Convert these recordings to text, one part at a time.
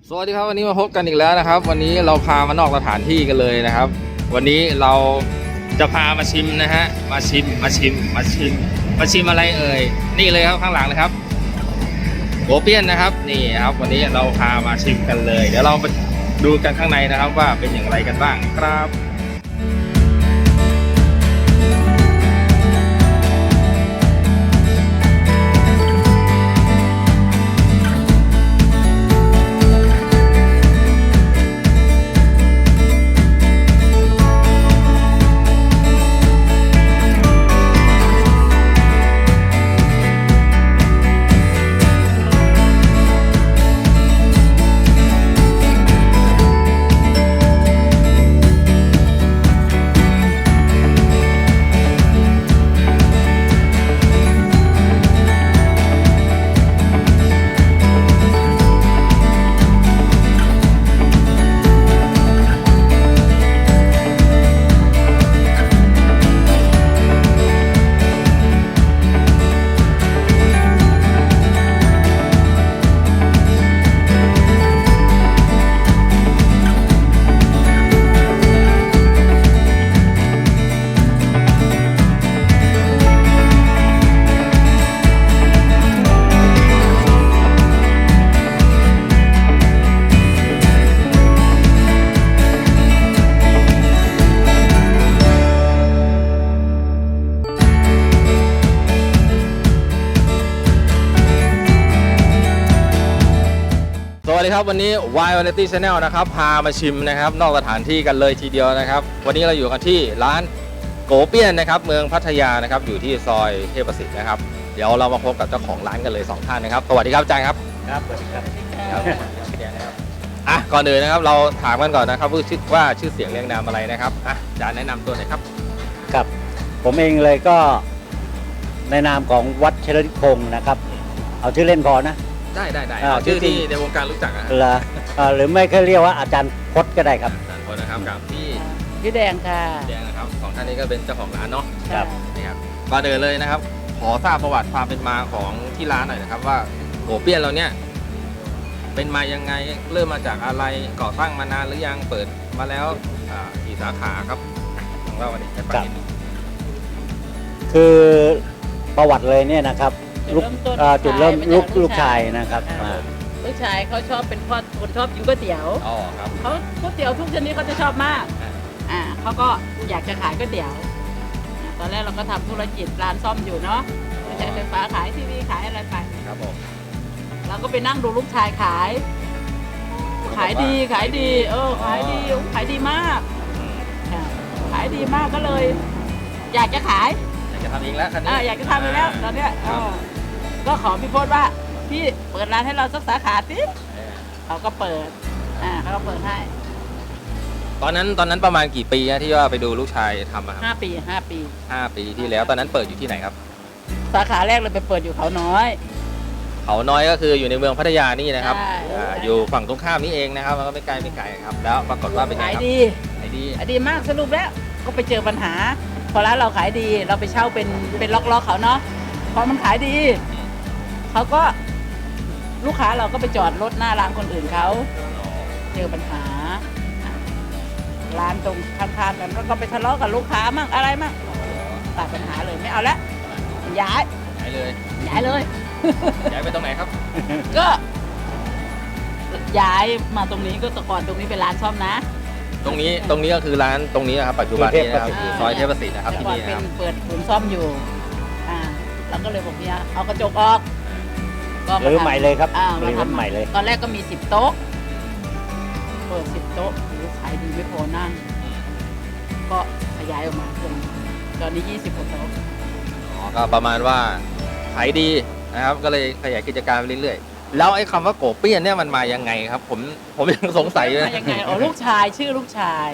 สวัสดีครับวันนี้มาพบกันอีกแล้วนะครับวันนี้เราพามานอกสถานที่กันเลยนะครับวันนี้เราจะพามาชิมนะฮะมาชิมอะไรเอ่ยนี่เลยครับข้างหลังเลยครับโกเปี้ยนนะครับนี่ครับวันนี้เราพามาชิมกันเลยเดี๋ยวเราไปดูกันข้างในนะครับว่าเป็นอย่างไรกันบ้างครับสวัสดีครับวันนี้ Y Variety Channel นะครับพามาชิมนะครับนอกสถานที่กันเลยทีเดียวนะครับวันนี้เราอยู่กันที่ร้านโกเปี้ยนนะครับเมืองพัทยานะครับอยู่ที่ซอยเทพประสิทธิ์นะครับเดี๋ยวเรามาพบกับเจ้าของร้านกันเลย2ท่านนะครับสวัสดีครับอาจารย์ครับครับสวัสดีครับก่อนอื่นนะครับเราถามกันก่อนนะครับว่าชื่อเสียงเรียงนามอะไรนะครับอาจารย์แนะนำตัวหน่อยครับครับผมเองเลยก็ในนามของวัดเชลนิคงนะครับเอาชื่อเล่นพอนะได้ชื่อที่ในวงการรู้จักหรือไม่ก็เรียกว่าอาจารย์พจน์ก็ได้ครับอาจารย์พจน์นะครับกับพี่แดงค่ะแดงนะครับสองท่านนี้ก็เป็นเจ้าของร้านเนาะครับนี่ครับก่อนอื่นเลยนะครับขอทราบประวัติความเป็นมาของที่ร้านหน่อยนะครับว่าโกเปี้ยนเราเนี่ยเป็นมายังไงเริ่มมาจากอะไรก่อตั้งมานานหรือยังเปิดมาแล้วกี่สาขาครับของเราวันนี้ให้ฟังนิดนึงคือประวัติเลยเนี่ยนะครับจุดเริ่มลูกชายนะครับลูกชายเขาชอบเป็นคนชอบกินก๋วยเตี๋ยวครับเขาก๋วยเตี๋ยวทุกชนิดเขาจะชอบมากเขาก็อยากจะขายก๋วยเตี๋ยวตอนแรกเราก็ทำธุรกิจร้านซ่อมอยู่เนาะใช้ไฟฟ้าขายทีวีขายอะไรไปครับผมเราก็ไปนั่งดูลูกชายขายดีขายดีมากขายดีมากก็เลยอยากจะขายอยากจะทำเองแล้วคันนี้อยากจะทำเองแล้วตอนเนี้ยก็ขอพี่พจน์ว่าพี่เปิดร้านให้เราสักสาขาสิเขาก็เปิดให้ตอนนั้นประมาณกี่ปีที่ว่าไปดูลูกชายทำครับ 5 ปีที่แล้วตอนนั้นเปิดอยู่ที่ไหนครับสาขาแรกเลยไปเปิดอยู่เขาน้อยก็คืออยู่ในเมืองพัทยานี่นะครับอยู่ฝั่งตรงข้ามนี่เองนะครับมันก็ไม่ไกลครับแล้วปรากฏว่าเป็นไงครับขายดีมากสรุปแล้วก็ไปเจอปัญหาพอร้านเราขายดีเราไปเช่าเป็นล็อกเขาเนาะพอมันขายดีเขาก็ลูกค้าเราก็ไปจอดรถหน้าร้านคนอื่นเขาเจอปัญหาร้านตรงข้างๆกันแล้วก็ไปทะเลาะกับลูกค้ามั่งอะไรมั่งตัดปัญหาเลยไม่เอาละย้ายเลยย้ายไปตรงไหนครับก็ย้ายมาตรงนี้ก็แต่ก่อนตรงนี้เป็นร้านซ่อมนะตรงนี้ก็คือร้านตรงนี้นะครับปัจจุบันนี้นะครับซอยเทพประสิทธิ์นะครับที่นี่นะครับเปิดศูนย์ซ่อมอยู่เราก็เลยบอกเนี่ยเอากระจกออกหรือใหม่เลยครับหรือใหม่เลยตอนแรกก็มี10 โต๊ะเปิด10 โต๊ะขายดีไม่พอนั่งก็ขยายออกมาจนตอนนี้20 กว่าโต๊ะก็ประมาณว่าขายดีนะครับก็เลยขยายกิจการไปเรื่อยๆแล้วไอ้คำว่าโกเปี้ยนเนี่ยมันมายังไงครับผมยังสงสัยเลยยังไงลูกชายชื่อลูกชาย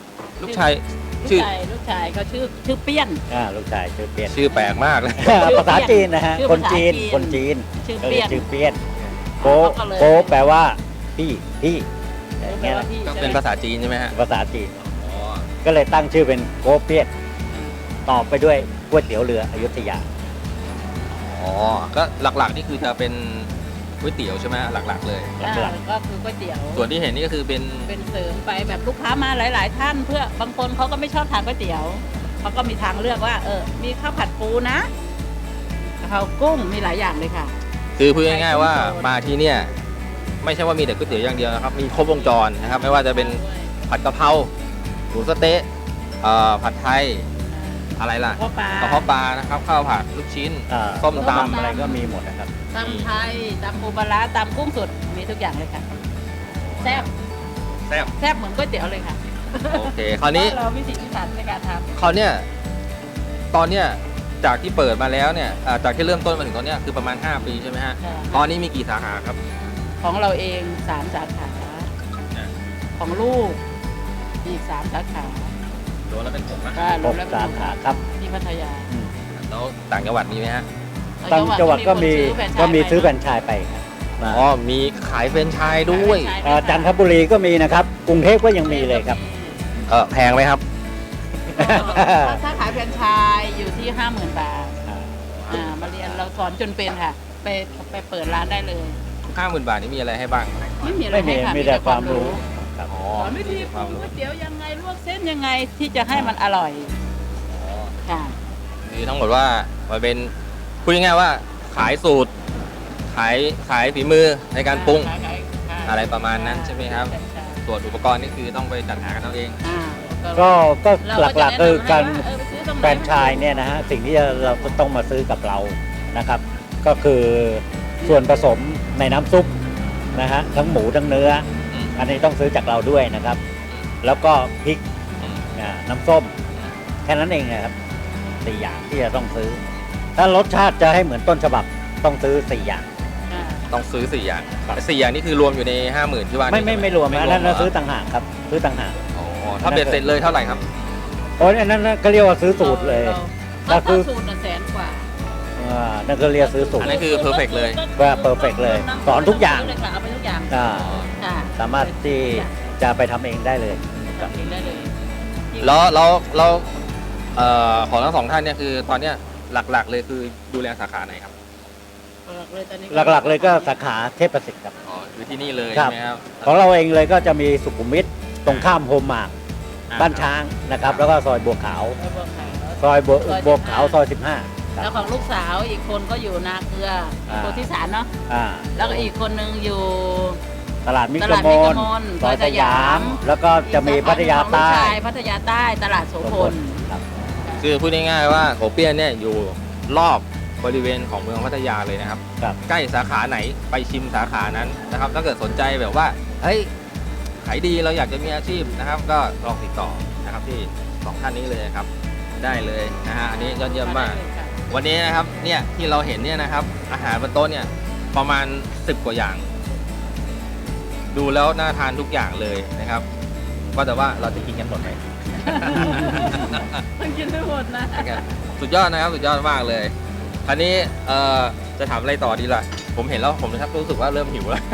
เขาชื่อเปี้ยนลูกชายชื่อเปี้ยนชื่อแปลกมากเลยภาษาจีนนะฮะคนจีนชื่อเปี้ยนโกแปลว่าพี่ก็เป็นภาษาจีนใช่ไหมฮะภาษาจีนก็เลยตั้งชื่อเป็นโกเปี้ยนต่อไปด้วยก๋วยเตี๋ยวเรืออยุธยาก็หลักๆนี่คือจะเป็นก๋วยเตี๋ยวใช่ไหมหลักๆเลยหลักก็คือก๋วยเตี๋ยวส่วนที่เห็นนี่ก็คือเป็นเป็นเสริมไปแบบลูกค้ามาหลาย ๆ ท่าน เพื่อบางคนเขาก็ไม่ชอบทานก๋วยเตี๋ยวเขาก็มีทางเลือกว่า มีข้าวผัดปูนะกะเพรากุ้งมีหลายอย่างเลยค่ะคือพูดง่ายๆว่ามาที่เนี่ยไม่ใช่ว่ามีแต่ก๋วยเตี๋ยวอย่างเดียวนะครับมีครบวงจรนะครับไม่ว่าจะเป็นผัดกะเพราหมูสะเต๊ะผัดไทยอะไรล่ะกระเพาะปลากระเพาะปลานะครับข้าวผัดลูกชิ้น ส้มตำอะไรก็มีหมดนะครับตำไทยตำปูปลาร้าตำกุ้งสดมีทุกอย่างเลยค่ะแซ่บแซ่บแซ่บเหมือนก๋วยเตี๋ยวเลยค่ะโอเคคราวนี้เราวิถีพิถันในการทำคราวเนี้ยตอนเนี้ยจากที่เปิดมาแล้วเนี่ยจากที่เริ่มต้นมาถึงตอนเนี้ยคือประมาณ 5 ปีใช่ไหมฮะใช่ตอนนี้มีกี่สาขาครับของเราเอง3 สาขา ของลูกอีก3 สาขารวมแล้วเป็น6นะก็รวมแล้ว 6 สาขาครับที่พัทยาแล้วต่างจังหวัดมีไหมฮะต่างจังหวัดก็มีคนซื้อแฟรนนไชส์ไปครับมาอ๋อมีขายแฟรนไชส์ด้วยจันทบุรีก็มีนะครับกรุงเทพก็ยังมีเลยครับแพงไหมครับถ้าขายแฟรนไชส์อยู่ที่ 50,000 บาทมาเรียนเราสอนจนเป็นค่ะ ไปเปิดร้านได้เลย 50,000 บาทนี่มีอะไรให้บ้างไม่มีอะไรไม่มีให้ค่ะมีแต่ความรู้ครับอ๋อสอนวิธีปรุงก๋วยเตี๋ยวยังไงลวกเส้นยังไงที่จะให้มันอร่อยค่ะคือทั้งหมดว่ามันเป็นพูดง่ายๆว่าขายสูตร ขายฝีมือในการปรุง อะไรประมาณนั้นใช่ไหมครับใช่ส่วนอุปกรณ์นี่คือต้องไปจัดหากันเอาเองก็ก็หลักๆคือการเไปซื้อตรงไหนแฟรนไชส์เนี่ยนะฮะสิ่งที่เราต้องมาซื้อกับเรานะครับ ก็คือส่วนผสมในน้ำซุปนะฮะทั้งหมูทั้งเนื้อ อันนี้ต้องซื้อจากเราด้วยนะครับ แล้วก็พริกน้ำส้มแค่นั้นเองนะครับ4 อย่างที่จะต้องซื้อ ถ้ารสชาติจะให้เหมือนต้นฉบับต้องซื้อ4 อย่างอ่าต้องซื้อ4 อย่างครับแต่4 อย่างนี่คือรวมอยู่ใน 50,000 ที่ว่าไม่รวมนะนั่นเหซื้อต่างหากครับซื้อต่างหากอ๋อถ้าเบ็ดเสร็จเลยเท่าไหร่ครับโอ้ยอันนั้นก็เรียกว่าซื้อสูตรเลยก็ก็คือสูตร100,000 กว่านั่นก็เรียกซื้อสูตอัรนนั้นคือ perfect เลยว่า perfect เลยสอนทุกอย่างเลยค่ะเอาไปทุกอย่างอ่าค่ะสามารถที่จะไปทำเองได้เลยทำเองได้เลยแล้วของทั้งสองท่านเนี่ยคือตอนเนี้ยหลักๆ เลยคือดูแลสาขาไหนครับหลักๆเลยก็สาขาเทพประสิทธิ์ครับอ๋อคือที่นี่เลยครัใช่บไหมครับของเราเองเลยก็จะมีสุขุมวิทตรงข้ามโฮมมาร์คบ้านช้างนะครับ แล้วก็ซอยบัวขาว ซอยบัวขาวซอย15คแล้รัวบของลูกสาวอีกคนก็อยู่นาเกลือโพธิสารเนาะอ่าแล้วก็อีกคนนึงอยู่ตลาดมิตตรลาดมมิตรนมนซอยสยามซอยสยามแล้วก็จะมีพัทยาใต้ของลูกชายพัทยาใต้ตลาดโสพลครับคือพูดง่ายๆว่าโกเปี้ยนเนี่ยอยู่รอบบริเวณของเมืองพัทยาเลยนะครับครับใกล้สาขาไหนไปชิมสาขานั้นนะครับ ถ้าเกิดสนใจแบบว่าเฮ้ยขายดีเราอยากจะมีอาชีพนะครับ ก็ลองติดต่อนะครับที่2 ท่านนี้เลยครับ ได้เลยนะฮะอันนี้ยอดเยี่ยมมาก วันนี้นะครับเนี่ยที่เราเห็นเนี่ยนะครับ อาหารบนโต๊ะเนี่ยประมาณ10 กว่าอย่าง ดูแล้วน่าทานทุกอย่างเลยนะครับว่าแต่ว่าเราจะกินกันหมดไหมมันกินไม่หมดนะสุดยอดนะครับสุดยอดมากเลยคราวนี้จะถามอะไรต่อดีล่ะ ผมเห็นแล้วผมนะครับรู้สึกว่าเริ่มหิวแล้ว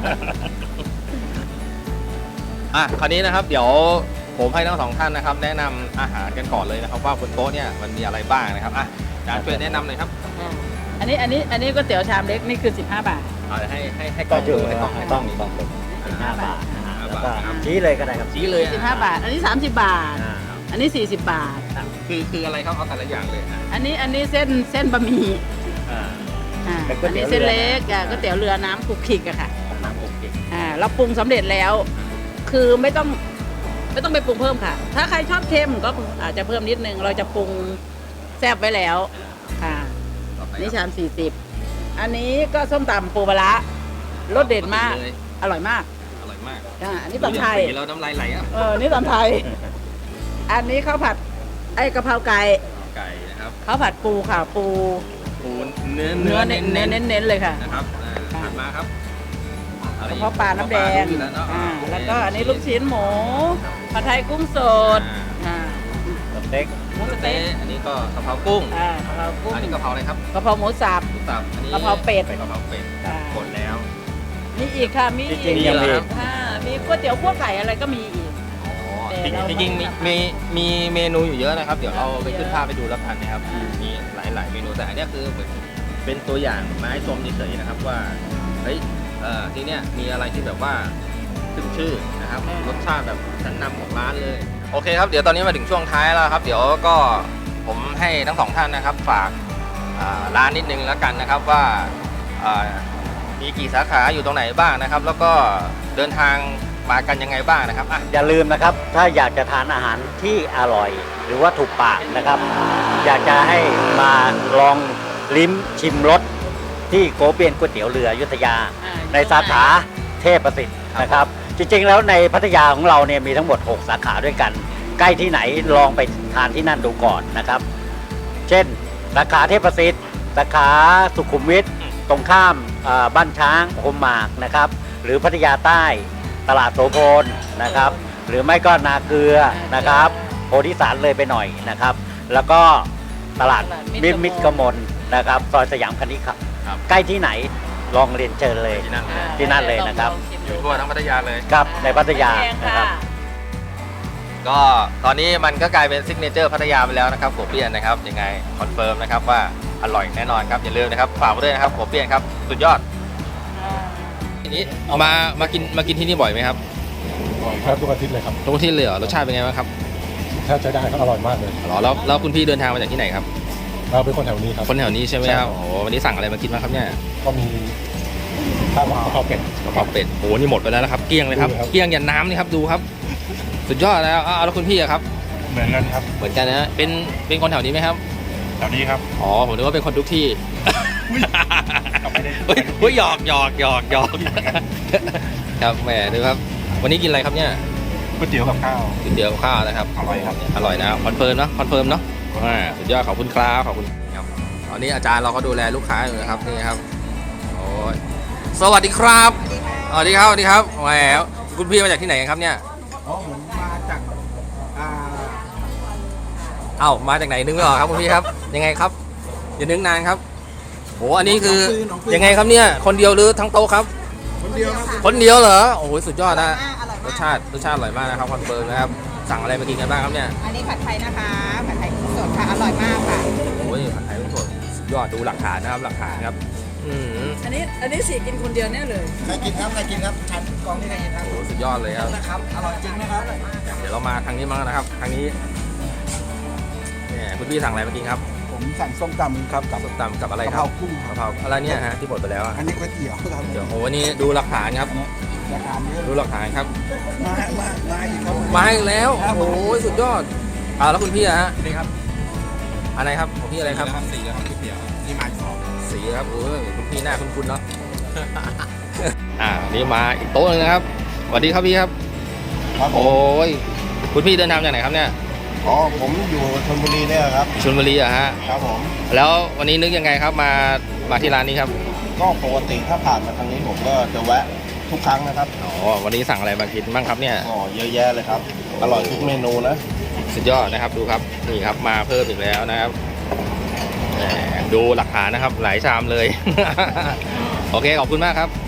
คราวนี้นะครับเดี๋ยวผมให้ทั้ง2 ท่านนะครับ แนะนำอาหารกันก่อนเลยนะครับ ว่าบนโต๊ะเนี่ยมันมีอะไรบ้างนะครับอาจารย์ช่วยแนะนำหน่อยครับอันนี้ก๋วยเตี๋ยวชามเล็กนี่คือ15 บาทเอาให้กล้ก็องอยู่ดูให้กล้องต้องนี้ต้องเป็น15 บาทนะฮะแล้วก็ 15 บาทชี้เลยก็ได้ครับชี้เลย 15 บาท อันนี้30 บาทอ่าอันนี้40 บาทคืออะไรครับเอาแต่ละอย่างเลยนะอันนี้เส้นบะหมี่อ่า เป็นก๋อัวยนเตี๋นี้ยวเส้นเล็กเรือนะก๋วยเตี๋ยวเรือน้ำคลุกคลิกอะค่ะน้ำอบเก่งเราปรุงสำเร็จแล้ว คือไม่ต้องไปปรุงเพิ่มค่ะ ถ้าใครชอบเค็มก็อาจจะเพิ่มนิดนึง เราจะปรุงแซ่บไว้แล้วค่ะต่อไปนี่ชาม40 อันนี้ก็ส้มตำปูปลาร้ารสเด็ดมากเลยอร่อยมากอร่อยมากอันนี้ตำไทยดูจากสีแล้วน้ำลายไหลอ่ะนี่ตำไทย อันนี้ข้าวผัดกะเพราไก่ไก่นะครับข้าวผัดปูค่ะ ปูปูเนื้อเนื้อเน้นเน้นๆเลยค่ะนะครับถัดมาครับกระเพาะปลาน้ำแดง แล้วก็อันนี้ลูกชิ้นหมูผัดไทยกุ้งสดอ่าสเต็กหมูสสเต๊เต๊ะกอันนี้ก็กะเพรากุ้งกะเพรากุ้งอันนี้กะเพราอะไรครับกะเพราหมูสับหมูสับอันนี้กะเพราเป็ดกะเพราเป็ดค่ะหมดแล้วมีอีกค่ะ มีจอีริงกๆยังมีมีก๋วยเตี๋ยวคั่วไก่อะไรก็มีอีก แต่เราจริงๆมีเมนูอยู่เยอะนะครับ เดี๋ยวเราไปขึ้นภาพไปดูแล้วกันนะครับ มีหลายๆเมนูแต่อันเนี้ยคือเหมือนเป็นตัวอย่างมาให้ชมเฉยๆนะครับว่าเฮ้ยที่เนี้ยมีอะไรที่แบบว่าขึ้นชื่อนะครับรสชาติแบบชั้นนำของร้านเลยโอเคครับเดี๋ยวตอนนี้มาถึงช่วงท้ายแล้วครับเดี๋ยวก็ผมให้ทั้งสองท่านนะครับฝากร้านนิดนึงแล้วกันนะครับว่ามีกี่สาขาอยู่ตรงไหนบ้างนะครับแล้วก็เดินทางมากันยังไงบ้างนะครับอ่ะอย่าลืมนะครับ ถ้าอยากจะทานอาหารที่อร่อย หรือว่าถูกปากนะครับ อยากจะให้มาลองลิ้มชิมรสที่โกเปียนก๋วยเตี๋ยวเรืออยุธยา ในสาขาเทพประสิทธิ์นะครับ จริงๆแล้วในพัทยาของเราเนี่ยมีทั้งหมด 6 สาขาด้วยกัน ใกล้ที่ไหนลองไปทานที่นั่นดูก่อนนะครับ เช่นสาขาเทพประสิทธิ์สาขาสุขุมวิทตรงข้ามบ้านช้างโฮมมากนะครับ หรือพัทยาใต้ตลาดโสพลนะครับ หรือไม่ก็นาเกลือนะครับโพธิสารเลยไปหน่อยนะครับ แล้วก็ตลาดมิตรกมลนะครับซอยสยามคณิครับครับใกล้ที่ไหนลองเรียนเชิญเลยที่นั่นเลยที่นั่นเลยนะครับอยู่ทั่วทั้งพัทยาเลยครับในพัทยาแพงนะครับก็ตอนนี้มันก็กลายเป็นซิกเนเจอร์พัทยาไปแล้วนะครับโกเปียนนะครับยังไงคอนเฟิร์มนะครับว่าอร่อยแน่นอนครับอย่าลืมนะครับฝากไว้ด้วยนะครับโกเปียนครับสุดยอดทีนี้มากินที่นี่บ่อยไหมครับแทบทุกอาทิตย์เลยครับทุกที่เลยเหรอรสชาติเป็นไงบ้างครับแทบใช้ได้ครับอร่อยมากเลยหรอแล้วคุณพี่เดินทางมาจากที่ไหนครับเราเป็นคนแถวนี้ครับคนแถวนี้ใช่ไหมใช่คครัรับบ โอ้โหวันนี้สั่งอะไรมากินบ้างครับเนี่ยก็มีข้าวกะเพราเป็ดกะเพราเป็ดโอ้โหนี่หมดไปแล้วนะครับเกลี้ยงเลยครับดูครับเกลี้ยงยันน้ำนี่ครับดูครับ สุดยอดแล้วแล้วคุณพี่อะครับเหมือนกันครับเหมือนกันนะเป็นคนแถวนี้ไหมครับแถวนี้ครับอ๋อผมนึกว่าเป็นคนทุกที่เราไม่ได้เฮ้ยหยอกครับแหมดูครับ วันนี้กินอะไรครับเนี่ยก๋วยเตี๋ยวกับข้าวก๋วยเตี๋ยวกับข้าวนะครับอร่อยครับอร่อยนะคอนเฟิร์มเนาะคอนเฟิร์มเนาะสุดยอดขอบคุณครับขอบคุณครับตอนนี้อาจารย์เราก็ดูแลลูกค้าอยู่นะครับนี่ครับโอ้ยสวัสดีครับสวัสดีครับแหมคุณพี่มาจากที่ไหนกันครับเนี่ยอ๋อผมมาจากอ่าเอ้ามาจากไหนนึกไม่ออกครับคุณพี่ครับยังไงครับอย่านึกนานครับโอ้อันนี้คือยังไงครับเนี่ยคนเดียวหรือทั้งโต๊ะครับคนเดียวครับคนเดียวเหรอโอ้โหสุดยอดนะรสชาติอร่อยมากนะครับคอนเฟิร์มนะครับสั่งอะไรมากินกันบ้างครับเนี่ยอันนี้ผัดไทยนะคะ ผัดไทยกุ้งสดค่ะ อร่อยมากค่ะโอ้ยผัดไทยกุ้งสดสุดยอดดูหลักฐานนะครับหลักฐานครับอันนี้สี่กินคนเดียวเนี่ยเลยใครกินครับชันกองนี่ใครกินครับโอ้โหสุดยอดเลยครับนะครับ อร่อยจริงนะครับเดี๋ยวเรามาทางนี้มั้งนะครับทางนี้เนี่ยคุณพี่สั่งอะไรมากินครับผมสั่งส้มตำครับกับส้มตำกับอะไรกะคเพรัราบกุ้งคกะรับเพราอะไรเนี่ยฮะที่หมดไปแล้วอะอันนี้ก๋วยเตี๋ยวครับเดี๋ยวโอ้โหวันนี้ดูหลักฐานครับราคาเยอะดูหลักฐานครับมาอีกครับมาอีกแล้วครับโอ้โหสุดยอดแล้วคุณพี่อะฮะนี่ครับอะไรครับของพี่อะไรครับสีแล้วครับก๋วยเตี๋ยวนี่มาสองสีครับโอ้ยคุณพี่หน้าคุ้นๆเนาะ นี่มาอีกโต๊ะหนึงนะครับสวัสดีครับพี่ครับครับผโอ้มยคุณพี่เดินทางจากไหนครับเนี่ยอ๋อผมอยู่ชลบุรีเนี่ยครับชลบุรีอะฮะครับผมแล้ววันนี้นึกยังไงครับมาที่ร้านนี้ครับก็ปกติถ้าผ่านมาทางนี้ผมก็จะแวะทุกครั้งนะครับอ๋อวันนี้สั่งอะไรมากินบ้างครับเนี่ยอ๋อเยอะแยะเลยครับ อร่อยทุกเมนูนะสุดยอดนะครับดูครับนี่ครับมาเพิ่มอีกแล้วนะครับแหมดูหลักฐานนะครับหลายชามเลย โอเคขอบคุณมากครับ